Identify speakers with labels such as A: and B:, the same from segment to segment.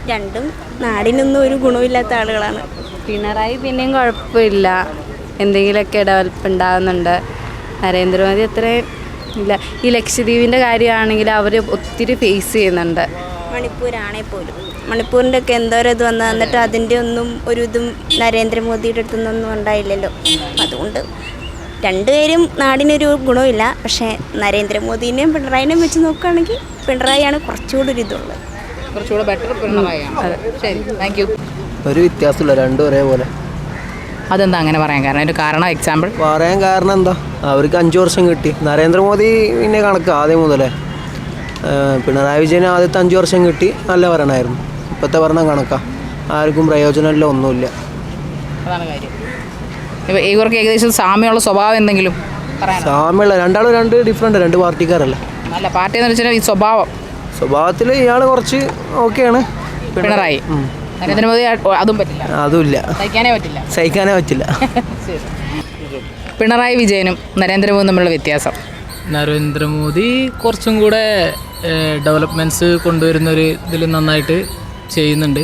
A: രണ്ടും നാടിനൊന്നും ഒരു ഗുണമില്ലാത്ത ആളുകളാണ്.
B: പിണറായി പിന്നെയും കുഴപ്പമില്ല, എന്തെങ്കിലുമൊക്കെ ഡെവലപ്പ് ഉണ്ടാകുന്നുണ്ട്. നരേന്ദ്രമോദി അത്രയും ഇല്ല. ഈ ലക്ഷദ്വീപിൻ്റെ കാര്യമാണെങ്കിൽ അവർ ഒത്തിരി ഫേസ് ചെയ്യുന്നുണ്ട്.
A: മണിപ്പൂരാണെങ്കിൽ പോലും മണിപ്പൂരിൻ്റെ ഒക്കെ എന്തോരം ഇത് വന്ന് എന്നിട്ട് അതിൻ്റെ ഒന്നും ഒരു ഇതും നരേന്ദ്രമോദിയുടെ അടുത്തു നിന്നൊന്നും ഉണ്ടായില്ലല്ലോ. അതുകൊണ്ട് രണ്ടുപേരും നാടിനൊരു ഗുണമില്ല. പക്ഷേ നരേന്ദ്രമോദിനെയും പിണറായിനെയും വെച്ച് നോക്കുകയാണെങ്കിൽ പിണറായിയാണ് കുറച്ചുകൂടി ഒരു ഇതുള്ളത്,
C: കുറച്ചുകൂടെ ബെറ്റർ പിണറായിയാണ്. ശരി, താങ്ക് യു.
D: ഒരു വ്യത്യാസമില്ല, രണ്ടും ഒരേപോലെ.
C: അതെന്താ അങ്ങനെ പറയാൻ കാരണം? ഒരു കാരണം എക്സാമ്പിൾ
D: പറയാൻ കാരണം എന്താ, അവർക്ക് 5 വർഷം കിട്ടി. നരേന്ദ്രമോദി പിന്നെ കണക്ക് ആദ്യം മുതലേ. പിണറായി വിജയന് ആദ്യത്തെ 5 വർഷം കിട്ടി, നല്ല ഭരണമായിരുന്നു. ഇപ്പോഴത്തെ ഭരണം കണക്കാ, ആർക്കും പ്രയോജനമില്ല, ഒന്നുമില്ല.
C: അതാണ് കാര്യം. ഇവർക്ക് ഏകദേശം സാമ്യമുള്ള സ്വഭാവം എന്തെങ്കിലും
D: സാമ്യമുള്ള രണ്ടാളും ഡിഫറെൻ്റ്, 2 പാർട്ടിക്കാരല്ലേ.
C: നല്ല പാർട്ടി എന്ന് വെച്ചാൽ ഈ
D: സ്വഭാവത്തിൽ ഇയാൾ കുറച്ച് ഓക്കെയാണ്.
C: പിണറായി. നരേന്ദ്രമോദി അതും പറ്റില്ല,
D: അതുമില്ല, സഹിക്കാനേ പറ്റില്ല.
C: പിണറായി വിജയനും നരേന്ദ്രമോദിയും തമ്മിലുള്ള വ്യത്യാസം?
E: നരേന്ദ്രമോദി കുറച്ചും കൂടെ ഡെവലപ്മെൻറ്റ്സ് കൊണ്ടുവരുന്നൊരു ഇതിൽ നന്നായിട്ട് ചെയ്യുന്നുണ്ട്.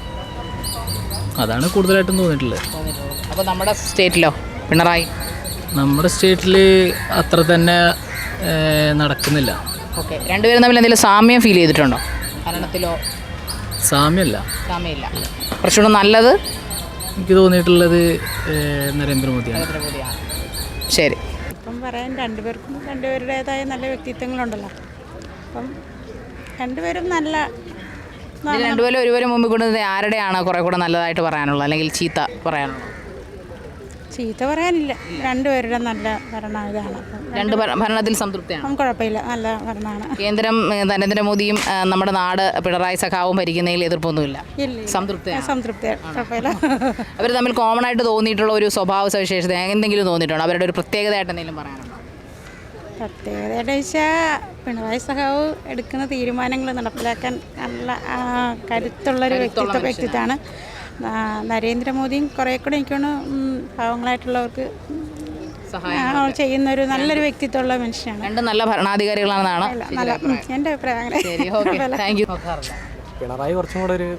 E: അതാണ് കൂടുതലായിട്ടും തോന്നിയിട്ടുള്ളത്.
C: അപ്പോൾ നമ്മുടെ സ്റ്റേറ്റിലോ പിണറായി?
E: നമ്മുടെ സ്റ്റേറ്റിൽ അത്ര തന്നെ നടക്കുന്നില്ല.
C: ഓക്കെ, രണ്ടുപേരും തമ്മിൽ എന്തെങ്കിലും സാമ്യം ഫീൽ ചെയ്തിട്ടുണ്ടോ? ഭരണത്തിലോ?
E: സാമ്യമില്ല.
C: കുറച്ചുകൂടെ നല്ലത്
E: എനിക്ക് തോന്നിയിട്ടുള്ളത് നരേന്ദ്രമോദിയാണ്.
C: ശരി.
F: ഇപ്പം പറയാൻ രണ്ടുപേർക്കും രണ്ടുപേരുടേതായ നല്ല വ്യക്തിത്വങ്ങളുണ്ടല്ലോ. അപ്പം രണ്ടുപേരും നല്ല
C: രണ്ടുപേരും ഒരുവരും മുമ്പിൽ കൊണ്ടുവന്നത് ആരുടെയാണ് കുറേ കൂടെ നല്ലതായിട്ട് പറയാനുള്ളത്, അല്ലെങ്കിൽ ചീത്ത പറയാനുള്ളത്?
F: ചീത്ത പറയാനില്ല, രണ്ടുപേരുടെ നല്ല ഭരണം ഇതാണ്.
C: രണ്ട് ഭരണത്തിൽ സംതൃപ്തിയാണ്? കുഴപ്പമില്ല,
F: നല്ല ഭരണമാണ്.
C: കേന്ദ്രം നരേന്ദ്രമോദിയും നമ്മുടെ നാട് പിണറായി സഖാവും ഭരിക്കുന്നതിൽ എതിർപ്പൊന്നുമില്ല,
F: സംതൃപ്തിയാണ്.
C: അവർ തമ്മിൽ കോമൺ ആയിട്ട് തോന്നിയിട്ടുള്ള ഒരു സ്വഭാവ സവിശേഷത എന്തെങ്കിലും തോന്നിയിട്ടുണ്ടോ? അവരുടെ ഒരു പ്രത്യേകതയായിട്ട് എന്തെങ്കിലും പറയാനുണ്ടോ?
F: പ്രത്യേകതയായിട്ട് വെച്ചാൽ പിണറായി സഖാവ് എടുക്കുന്ന തീരുമാനങ്ങൾ നടപ്പിലാക്കാൻ നല്ല കരുത്തുള്ളൊരു വ്യക്തിത്വമാണ്. നരേന്ദ്രമോദിയും കുറേ കൂടെ എനിക്കാണ് പാവങ്ങളായിട്ടുള്ളവർക്ക് ചെയ്യുന്നൊരു നല്ലൊരു വ്യക്തിത്വമുള്ള മനുഷ്യനാണ്.
C: രണ്ടും നല്ല ഭരണാധികാരികളാണെന്നാണ്
F: എൻ്റെ അഭിപ്രായം.
D: പിണറായി കുറച്ചും കൂടെ ഒരു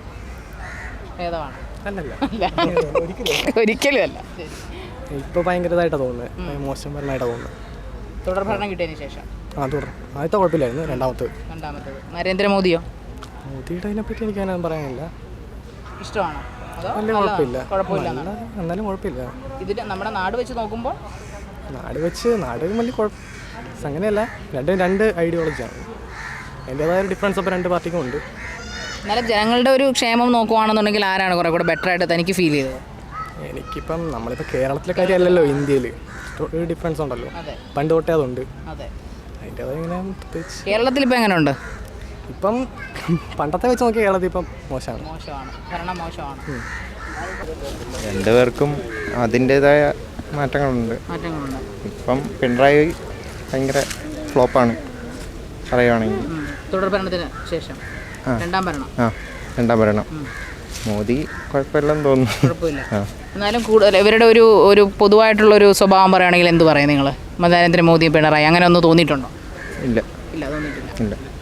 C: ഒരിക്കലും അല്ല.
D: ഇപ്പോൾ ഭയങ്കരമായിട്ടാണ് തോന്നുന്നത്, മോശം ഭരണമായിട്ടാണ് തോന്നുന്നത്.
C: തുടർ ഭരണം കിട്ടിയതിന് ശേഷം
D: ആദ്യത്തെ കുഴപ്പമില്ലായിരുന്നു, രണ്ടാമത്തത്.
C: നരേന്ദ്രമോദിയോ?
D: മോദിയുടെ അതിനെപ്പറ്റി എനിക്കങ്ങനെ പറയാനില്ല.
C: ഇഷ്ടമാണോ?
D: വലിയ കുഴപ്പമില്ല, എന്നാലും കുഴപ്പമില്ല.
C: ഇതിൽ നമ്മുടെ നാട് വെച്ച് നോക്കുമ്പോൾ
D: നാട് വലിയ അങ്ങനെയല്ല, രണ്ട് ഐഡിയോളജിയാണ്. അതിൻ്റെതായ ഒരു ഡിഫറൻസ് അപ്പോൾ 2 പാർട്ടിക്കും ഉണ്ട്.
C: എന്നാലും ജനങ്ങളുടെ ഒരു ക്ഷേമം നോക്കുവാണെന്നുണ്ടെങ്കിൽ ആരാണ് കുറേ കൂടെ ബെറ്റർ ആയിട്ട് തനിക്ക് ഫീൽ ചെയ്തത്?
D: എനിക്കിപ്പം നമ്മളിപ്പോൾ കേരളത്തിലെ കാര്യമല്ലല്ലോ, ഇന്ത്യയിൽ ഒരു ഡിഫറൻസ് ഉണ്ടല്ലോ, പണ്ട് തൊട്ടേ അതുണ്ട്. അതിൻ്റെതായ ഇങ്ങനെ പ്രത്യേകിച്ച്
C: കേരളത്തിൽ ഇപ്പം എങ്ങനെ ഉണ്ട്?
D: ഇപ്പം പണ്ടത്തെ വെച്ച് നോക്കിയാൽ കേരളത്തിൽ ഇപ്പം മോശമാണ്,
C: ഭരണം മോശമാണ്.
G: രണ്ടുപേർക്കും അതിൻ്റേതായ മാറ്റങ്ങളുണ്ട്. ഇപ്പം പിണറായി ഭയങ്കര ഫ്ലോപ്പാണ് പറയുകയാണെങ്കിൽ.
C: തുടർ ഭരണത്തിന് ശേഷം രണ്ടാം
G: ഭരണം മോദി കുഴപ്പമില്ലെന്ന് തോന്നുന്നു.
C: കുഴപ്പമില്ല. എന്നാലും കൂടുതൽ ഇവരുടെ ഒരു പൊതുവായിട്ടുള്ളൊരു സ്വഭാവം പറയുകയാണെങ്കിൽ എന്ത് പറയും നിങ്ങൾ? നരേന്ദ്രമോദി പിണറായി അങ്ങനെ ഒന്ന് തോന്നിയിട്ടുണ്ടോ?
G: ഇല്ല,
C: തോന്നിയിട്ടില്ല.